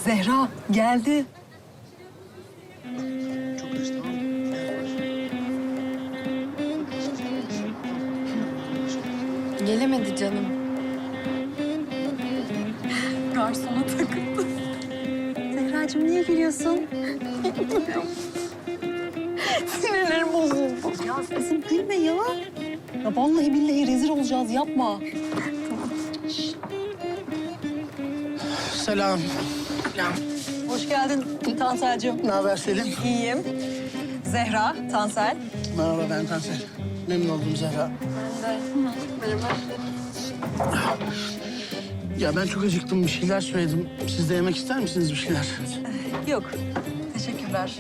Zehra geldi. Çok reis, tamam mı? Gelemedi canım. Garsona takıldı. Zehracığım niye gülüyorsun? Sinirlerim bozuldu. Ya kızım gülme ya. Ya vallahi billahi rezil olacağız yapma. Selam. Selam. Hoş geldin Tansel'cığım. Ne haber Selim? İyiyim. Zehra, Tansel. Merhaba, ben Tansel. Memnun oldum Zehra. Ya ben çok acıktım, bir şeyler söyledim. Siz de yemek ister misiniz bir şeyler? Yok, teşekkürler.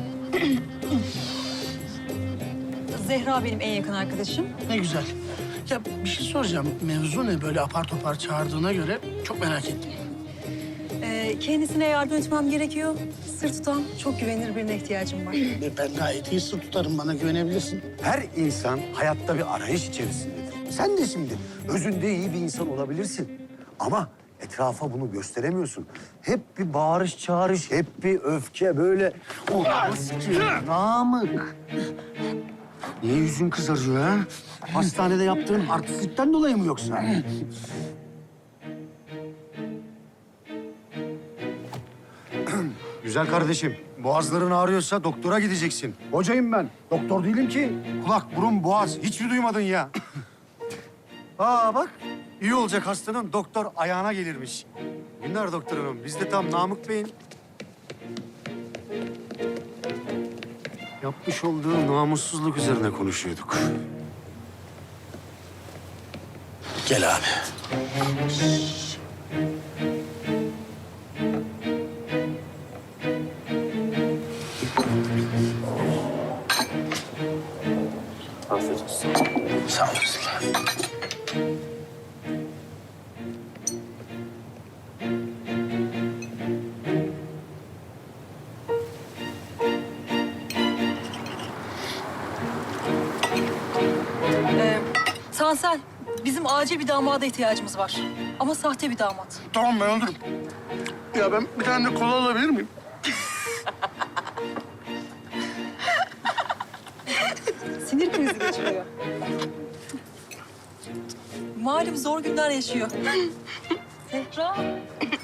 Zehra benim en yakın arkadaşım. Ne güzel. Ya bir şey soracağım. Mevzu ne böyle apar topar çağırdığına göre çok merak ettim. Kendisine yardım etmem gerekiyor. Sır tutan, çok güvenilir birine ihtiyacım var. Ben gayet iyi sır tutarım, bana güvenebilirsin. Her insan hayatta bir arayış içerisindedir. Sen de şimdi özünde iyi bir insan olabilirsin. Ama etrafa bunu gösteremiyorsun. Hep bir bağırış çağırış, hep bir öfke böyle. Namık. Niye yüzün kızarıyor ha? Hastanede yaptığın artistlikten dolayı mı yoksa? Güzel kardeşim, boğazların ağrıyorsa doktora gideceksin. Hocayım ben, doktor değilim ki. Kulak, burun, boğaz, hiç mi duymadın ya? Aa bak, iyi olacak hastanın doktor ayağına gelirmiş. Günler doktor hanım, biz de tam Namık Bey'in yapmış olduğu namussuzluk üzerine konuşuyorduk. Gel abi. Afiyet olsun. Sağ olasın. Tansel, bizim acil bir damada ihtiyacımız var. Ama sahte bir damat. Tamam, ben olurum. Ya ben bir tane de kola alabilir miyim? Sinir krizi geçiriyor. Malum zor günler yaşıyor. Zehra,